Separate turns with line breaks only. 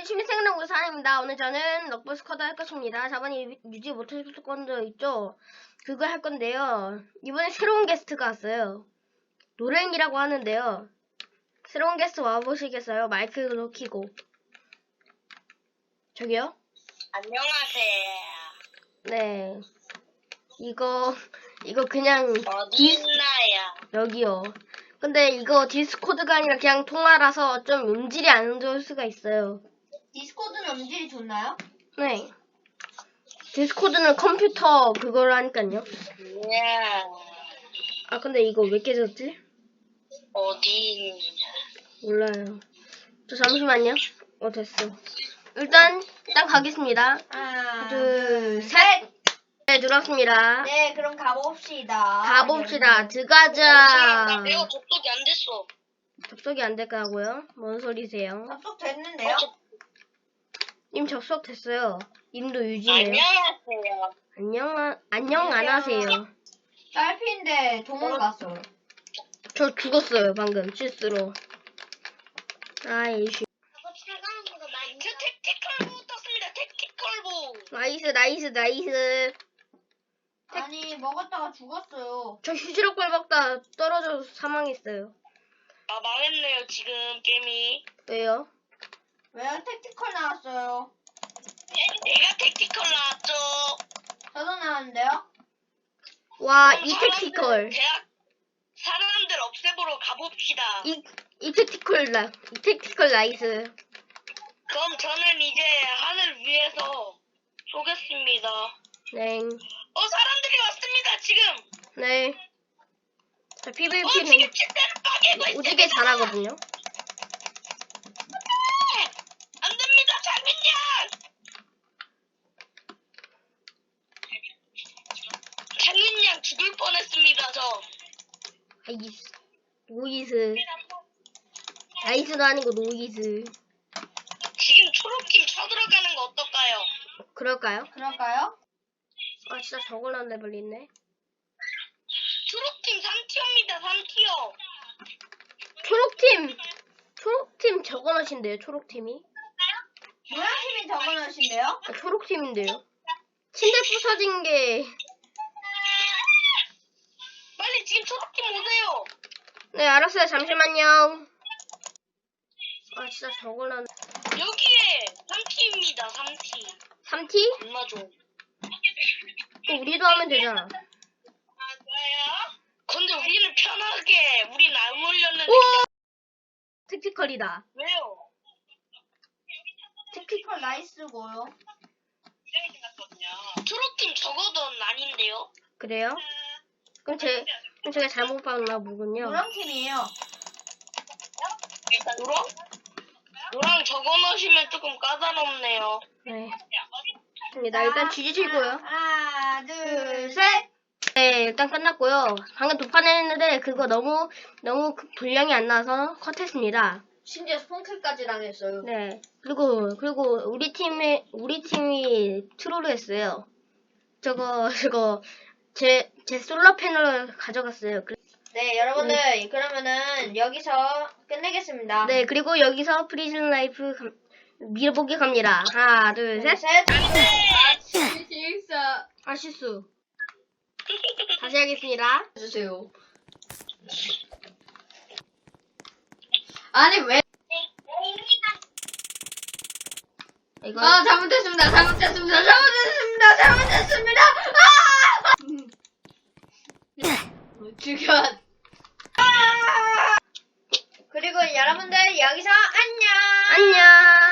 취미생활 사람입니다. 오늘 저는 럭버스 쿼드 할 것입니다. 저번에 유지 못했을 건데 있죠? 그거 할 건데요. 이번에 새로운 게스트가 왔어요. 노랭이라고 하는데요. 새로운 게스트 와보시겠어요? 마이크로 켜고. 저기요?
안녕하세요.
네. 이거 그냥
어디 있나요?
여기요. 근데 이거 디스코드가 아니라 그냥 통화라서 좀 음질이 안 좋을 수가 있어요.
디스코드는 음질이 좋나요?
네. 디스코드는 컴퓨터 그걸 하니까요.
네.
아 근데 이거 왜 깨졌지?
어디 있냐?
몰라요. 저 잠시만요. 됐어. 일단 가겠습니다.
하나,
둘, 셋. 네, 들어왔습니다.
네, 그럼 가봅시다.
가봅시다.
나
들어가자.
내가 접속이 안 됐어.
접속이 안 될까고요? 뭔 소리세요?
접속 됐는데요?
님 접속 됐어요. 님도 유지해요.
안녕하세요.
안녕 안 하세요.
딸피인데 도망갔어요.
저 죽었어요 방금 실수로. 아이씨.
저 택티컬부 떴습니다. 택티컬부.
나이스.
아니, 먹었다가 죽었어요.
저 휴지로꼴 먹다 떨어져서 사망했어요.
아 망했네요 지금 게임이.
왜요?
왜요? 택티컬 나왔어요.
내가 택티컬 나왔죠.
저도 나왔는데요?
와,
그럼
이 택티컬.
사람들 없애보러 가봅시다.
이 택티컬 나이스.
그럼 저는 이제 하늘 위에서 쏘겠습니다.
네.
사람들이 왔습니다 지금.
네. 자,
지금
PVP는
침대를 빠개고 있습니다.
오지게 잘하거든요.
안 됩니다, 장윤양! 장윤양 죽을 뻔했습니다, 저.
아이스. 노이스. 나이스도 아니고 노이스.
지금 초록팀 쳐들어가는 거 어떨까요?
그럴까요?
그럴까요?
아, 진짜 저걸 안 내버리네.
초록팀 3티어입니다, 3티어.
초록팀 저거 넣으신데요, 초록팀이?
노란팀이 적어놓으신데요?
아, 초록팀인데요. 침대 부서진 게.
빨리 지금 초록팀 오세요.
네, 알았어요. 잠시만요. 아, 진짜 저걸 안.
여기에 3티입니다, 3티.
3T?
얼마 줘?
우리도 하면 되잖아.
근데 우리는 편하게, 우린 안 올렸는데.
오! 택티컬이다.
왜요?
택티컬 나이스고요.
초록팀 적어도 아닌데요?
그래요? 그럼 제가 잘못 봤나 보군요.
노란팀이에요.
노랑 적어놓으시면 조금 까다롭네요.
네. 나 일단 뒤지시고요.
하나, 둘, 셋.
네, 일단 끝났고요. 방금 도판했는데 그거 너무 분량이 안 나와서 컷했습니다.
심지어 스폰킬까지 당했어요.
네. 그리고 우리 팀이 트롤을 했어요. 저거 제 솔라 패널을 가져갔어요.
네, 여러분들, 그러면은 여기서 끝내겠습니다.
네, 그리고 여기서 프리즌 라이프 밀어보기 갑니다. 하나, 둘, 셋. 실수. 다시 하겠습니다.
해주세요. 아니, 왜?
이거
잘못했습니다. 죽여. 그리고 여러분들, 여기서 안녕.
안녕.